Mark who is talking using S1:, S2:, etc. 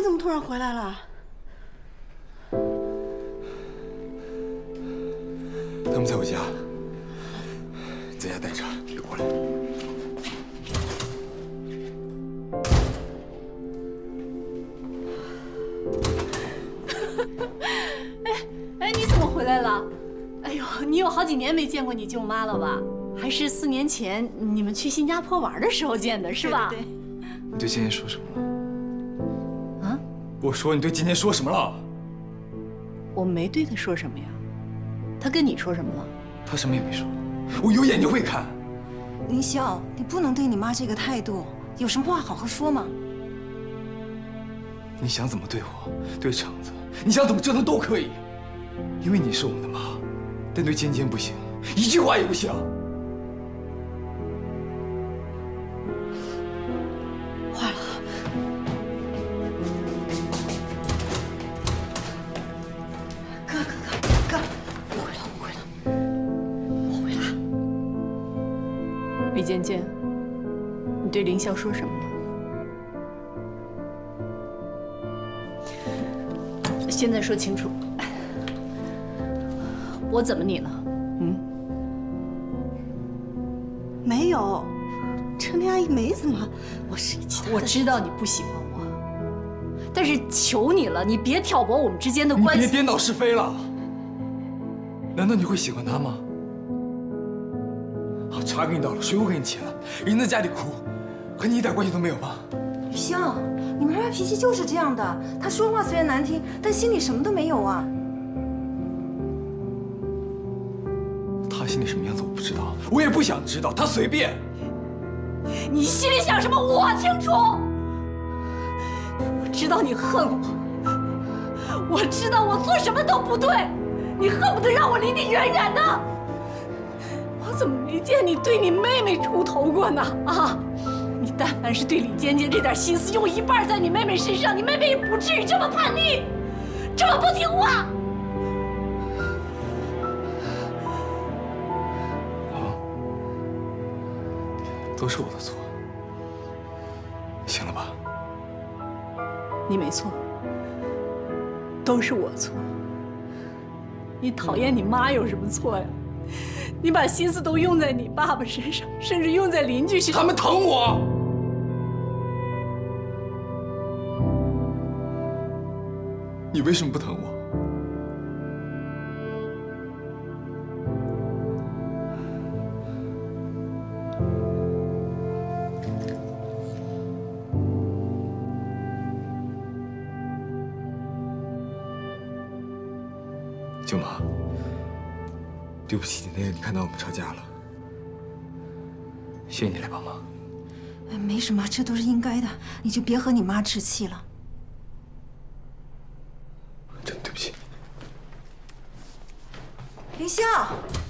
S1: 你怎么突然回来了？
S2: 他们在我家，在家待着，别过来。
S3: 哎，你怎么回来了？哎呦，你有好几年没见过你舅妈了吧？还是4年前你们去新加坡玩的时候见的，是吧？
S1: 对。
S2: 你对今天说什么了？
S3: 啊？
S2: 我说你对今天说什么了？
S3: 我没对他说什么呀。他跟你说什么了？
S2: 他什么也没说。我有眼睛会看。
S4: 林霄，你不能对你妈这个态度，有什么话好好说嘛。
S2: 你想怎么对我，对橙子，你想怎么折腾都可以，因为你是我们的妈。但对尖尖不行，一句话也不行。
S3: 坏了！
S4: 哥，误会了。
S3: 李尖尖，你对凌霄说什么了？现在说清楚，我怎么你了？
S1: 没有，陈丽阿姨没怎么，我是一气。
S3: 我知道你不喜欢我，但是求你了，你别挑拨我们之间的关系。
S2: 你别颠倒是非了。难道你会喜欢他吗？好，茶给你倒了，水我给你沏了，人在家里哭，和你一点关系都没有吗？
S4: 林霄，你妈妈脾气就是这样的，她说话虽然难听，但心里什么都没有啊。
S2: 他心里什么样子我不知道，我也不想知道，他随便。
S3: 你心里想什么我清楚，我知道你恨我，我知道我做什么都不对，你恨不得让我离你远远的。我怎么没见你对你妹妹出头过呢？啊！你但凡是对李尖尖这点心思用一半在你妹妹身上，你妹妹也不至于这么叛逆，这么不听话。
S2: 都是我的错，行了吧？
S3: 你没错，都是我错。你讨厌你妈有什么错呀？你把心思都用在你爸爸身上，甚至用在邻居身上。
S2: 他们疼我。你为什么不疼我？舅妈，对不起，今天让你看到我们吵架了，谢谢你来帮忙。
S4: 哎，没什么，这都是应该的，你就别和你妈置气了。
S2: 真对不起。
S4: 林霄。